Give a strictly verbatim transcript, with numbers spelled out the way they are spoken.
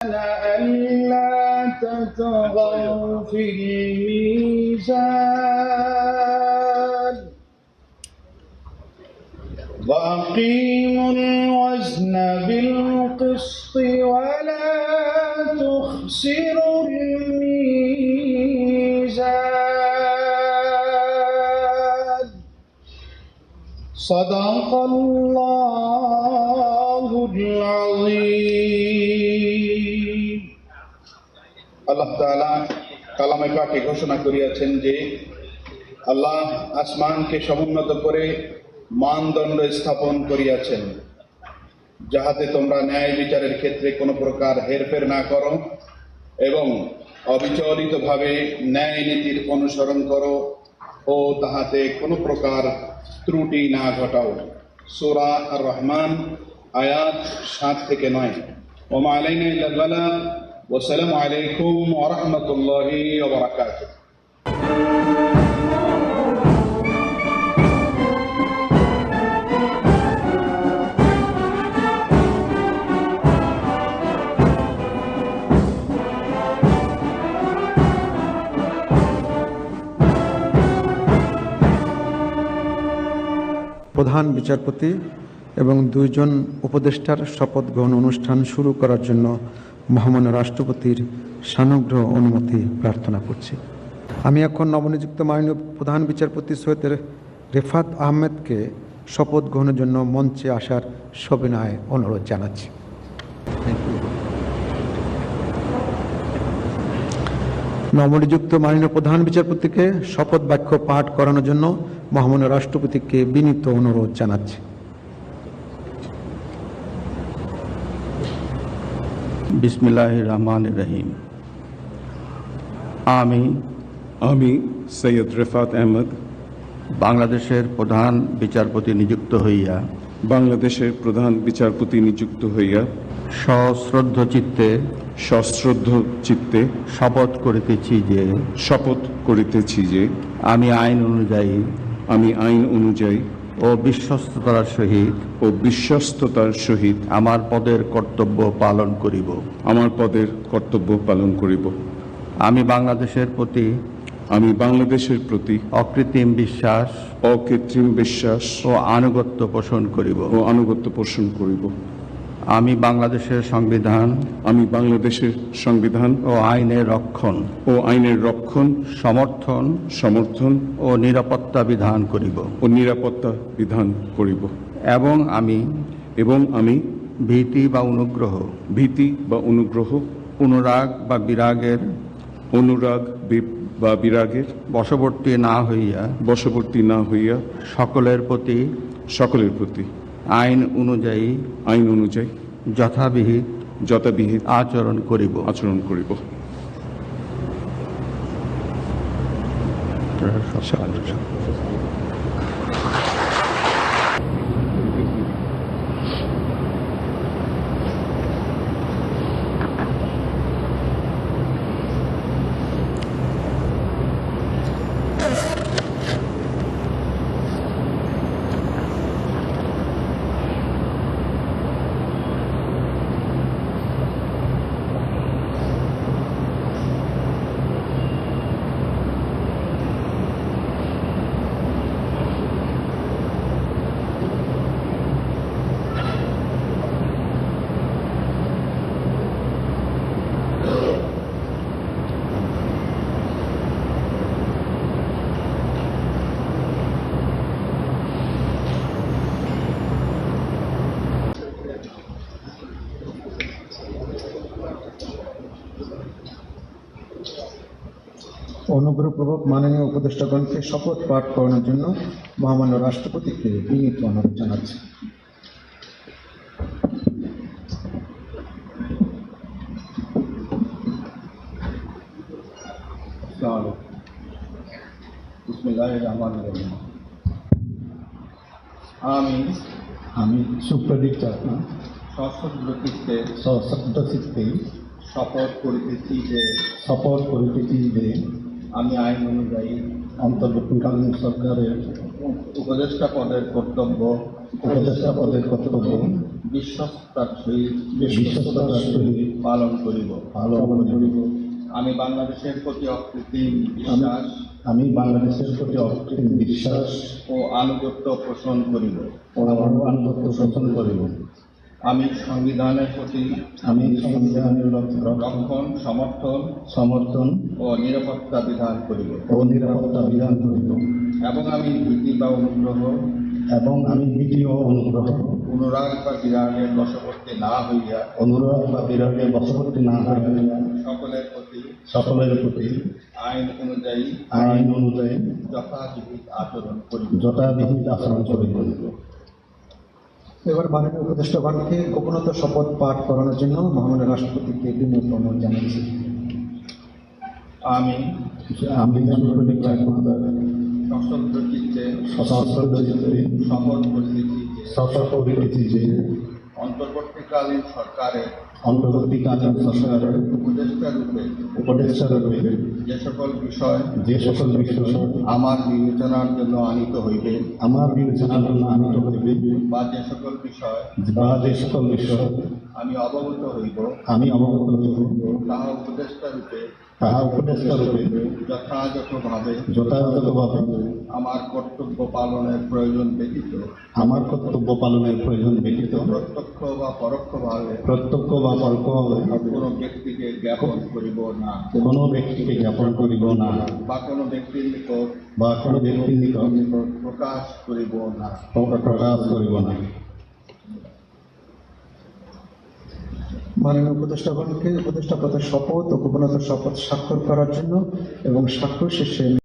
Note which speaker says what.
Speaker 1: ألا تطغوا في الميزان وأقيموا الوزن بالقسط ولا تخسروا الميزان صدق الله العظيم আল্লাহ তাআলা কালামে পাকে ঘোষণা করিয়াছেন যে আল্লাহ আসমানকে সমুন্নত করে মানদণ্ড স্থাপন করিয়াছেন, যাহাতে তোমরা ন্যায় বিচারের ক্ষেত্রে কোনো প্রকার হেরফের না করো এবং অবিচলিতভাবে ন্যায় নীতির অনুসরণ করো ও তাহাতে কোনো প্রকার ত্রুটি না ঘটাও। সূরা আর রহমান আয়াত সাত থেকে নয়। ওমা আলাইনা ইল্লাল বালাগ ওয়া আসসালামু আলাইকুম ওয়া রাহমাতুল্লাহি ওয়া বারাকাতুহু।
Speaker 2: প্রধান বিচারপতি এবং দুইজন উপদেষ্টার শপথ গ্রহণ অনুষ্ঠান শুরু করার জন্য মহামান্য রাষ্ট্রপতির সানুগ্রহ অনুমতি প্রার্থনা করছি। আমি এখন নবনিযুক্ত মাননীয় প্রধান বিচারপতি সৈয়দ রেফাত আহমেদকে শপথ গ্রহণের জন্য মঞ্চে আসার সবিনয় অনুরোধ জানাচ্ছি। নবনিযুক্ত মাননীয় প্রধান বিচারপতিকে শপথ বাক্য পাঠ করানোর জন্য মহামান্য রাষ্ট্রপতিকে বিনীত অনুরোধ জানাচ্ছি।
Speaker 3: বিসমিল্লাহির রহমানির রহিম। আমি
Speaker 4: আমি সৈয়দ রেফাত আহমেদ
Speaker 3: বাংলাদেশের প্রধান বিচারপতি নিযুক্ত হইয়া
Speaker 4: বাংলাদেশের প্রধান বিচারপতি নিযুক্ত হইয়া
Speaker 3: সশ্রদ্ধ চিত্তে
Speaker 4: সশ্রদ্ধ চিত্তে
Speaker 3: শপথ করিতেছি যে
Speaker 4: শপথ করিতেছি যে
Speaker 3: আমি আইন অনুযায়ী
Speaker 4: আমি আইন অনুযায়ী
Speaker 3: ও বিশ্বস্ততার সহিত
Speaker 4: ও বিশ্বস্ততার সহিত
Speaker 3: আমার পদের কর্তব্য পালন করিব
Speaker 4: আমার পদের কর্তব্য পালন করিব।
Speaker 3: আমি বাংলাদেশের প্রতি
Speaker 4: আমি বাংলাদেশের প্রতি
Speaker 3: অকৃত্রিম বিশ্বাস
Speaker 4: অকৃত্রিম বিশ্বাস
Speaker 3: ও আনুগত্য পোষণ করিব
Speaker 4: ও আনুগত্য পোষণ করিব।
Speaker 3: আমি বাংলাদেশের সংবিধান
Speaker 4: আমি বাংলাদেশের সংবিধান
Speaker 3: ও আইনের রক্ষণ
Speaker 4: ও আইনের রক্ষণ
Speaker 3: সমর্থন
Speaker 4: সমর্থন
Speaker 3: ও নিরাপত্তা বিধান করিব
Speaker 4: ও নিরাপত্তা বিধান করিব
Speaker 3: এবং আমি
Speaker 4: এবং আমি
Speaker 3: ভীতি বা অনুগ্রহ
Speaker 4: ভীতি বা অনুগ্রহ
Speaker 3: অনুরাগ বা বিরাগের
Speaker 4: অনুরাগ বি- বা বিরাগের
Speaker 3: বশবর্তী না হইয়া
Speaker 4: বশবর্তী না হইয়া
Speaker 3: সকলের প্রতি
Speaker 4: সকলের প্রতি
Speaker 3: আইন অনুযায়ী
Speaker 4: আইন অনুযায়ী
Speaker 3: যথাবিহিত
Speaker 4: যথাবিহিত
Speaker 3: আচরণ করিব
Speaker 4: আচরণ করিব।
Speaker 2: অনুগ্রহপূর্বক মাননীয় উপদেষ্টাগণকে শপথ পাঠ করানোর জন্য মহামান্য রাষ্ট্রপতিকে বিনীত অনুরোধ জানাচ্ছি।
Speaker 1: বিসমিল্লাহির রহমানির রহিম। আমি
Speaker 2: আমি সুপ্রদীপ চাকমা
Speaker 1: সশ্রদ্ধ চিত্তে
Speaker 2: সশ্রদ্ধ চিত্তে
Speaker 1: শপথ করিতেছি যে
Speaker 2: শপথ করিতেছি যে
Speaker 1: আমি আইন অনুযায়ী
Speaker 2: অন্তর্বর্তীকালীন সরকারের
Speaker 1: উপদেষ্টা পদের কর্তব্য
Speaker 2: উপদেষ্টা পদের কর্তব্য
Speaker 1: বিশ্বস্তার সহিত
Speaker 2: বিশ্বস্ততার সহিত
Speaker 1: পালন করিব
Speaker 5: পালন করিব।
Speaker 1: আমি বাংলাদেশের প্রতি অকৃত্রিম বিশ্বাস
Speaker 5: আমি বাংলাদেশের প্রতি অকৃত্রিম বিশ্বাস
Speaker 1: ও আনুগত্য পোষণ করিব
Speaker 5: ও আনুগত্য পোষণ করিব।
Speaker 1: আমি সংবিধানের প্রতি
Speaker 5: আমি সংবিধানের রক্ষ-
Speaker 1: রক্ষণ সমর্থন
Speaker 5: সমর্থন
Speaker 1: ও নিরাপত্তা বিধান করিব
Speaker 5: ও নিরাপত্তা বিধান করিব
Speaker 1: এবং আমি ভীতি বা অনুগ্রহ
Speaker 5: এবং আমি ভীতি ও অনুগ্রহ
Speaker 1: অনুরাগ বা বিরাগের বশবর্তী না হইয়া
Speaker 5: অনুরাগ বা বিরাগের বশবর্তী না হইয়া
Speaker 1: সকলের প্রতি
Speaker 5: সকলের প্রতি
Speaker 1: আইন অনুযায়ী
Speaker 5: আইন অনুযায়ী
Speaker 1: যথাবিহিত আচরণ করিব
Speaker 5: যথাবিহিত আচরণ করিব।
Speaker 2: এবার মাননীয় উপদেষ্টাগণকে গোপনতা শপথ পাঠ করানোর জন্য মহামান্য রাষ্ট্রপতিকে বিনীত অনুরোধ জানাচ্ছি।
Speaker 1: আমি
Speaker 5: আমি সাংবিধানিক কার্যকর্তা
Speaker 1: সশস্ত্র চিত্তে
Speaker 5: সশস্ত্র চিত্তে
Speaker 1: শপথ করিতেছি যে
Speaker 5: শপথ করিতেছি যে
Speaker 1: অন্তর্বর্তীকালীন সরকারের
Speaker 5: অন্তর্বর্তীকালীন সরকারের
Speaker 1: উপদেষ্টা রূপে
Speaker 5: উপদেষ্টা রূপে
Speaker 1: যে সকল বিষয়
Speaker 5: যে সকল বিষয়
Speaker 1: আমার বিবেচনার জন্য আনিত হইবে
Speaker 5: আমার বিবেচনার জন্য আনিত হইবে
Speaker 1: বা যে সকল বিষয়
Speaker 5: বা যে সকল বিষয়
Speaker 1: আমি অবগত হইব
Speaker 5: আমি অবগত হইব
Speaker 1: তাহা উপদেষ্টা রূপে
Speaker 5: তাহা উপদেষ্টা রূপে
Speaker 1: যথাযথভাবে
Speaker 5: যথাযথভাবে
Speaker 1: আমার কর্তব্য পালনের প্রয়োজন ব্যতীত
Speaker 5: আমার কর্তব্য পালনের প্রয়োজন ব্যতীত
Speaker 1: প্রত্যক্ষ বা পরোক্ষভাবে
Speaker 5: প্রত্যক্ষ বা পরোক্ষভাবে
Speaker 1: কোনো ব্যক্তিকে জ্ঞাপন করিব না
Speaker 5: কোনো ব্যক্তিকে জ্ঞাপন করিব না
Speaker 1: বা কোনো ব্যক্তির নিকট
Speaker 5: বা কোনো ব্যক্তির নিকট
Speaker 1: প্রকাশ করিব না
Speaker 5: প্রকাশ করিব না।
Speaker 2: মাননীয় উপদেষ্টাগণকে উপদেষ্টা পদের শপথ ও গোপনতা শপথ স্বাক্ষর করার জন্য এবং স্বাক্ষর শেষে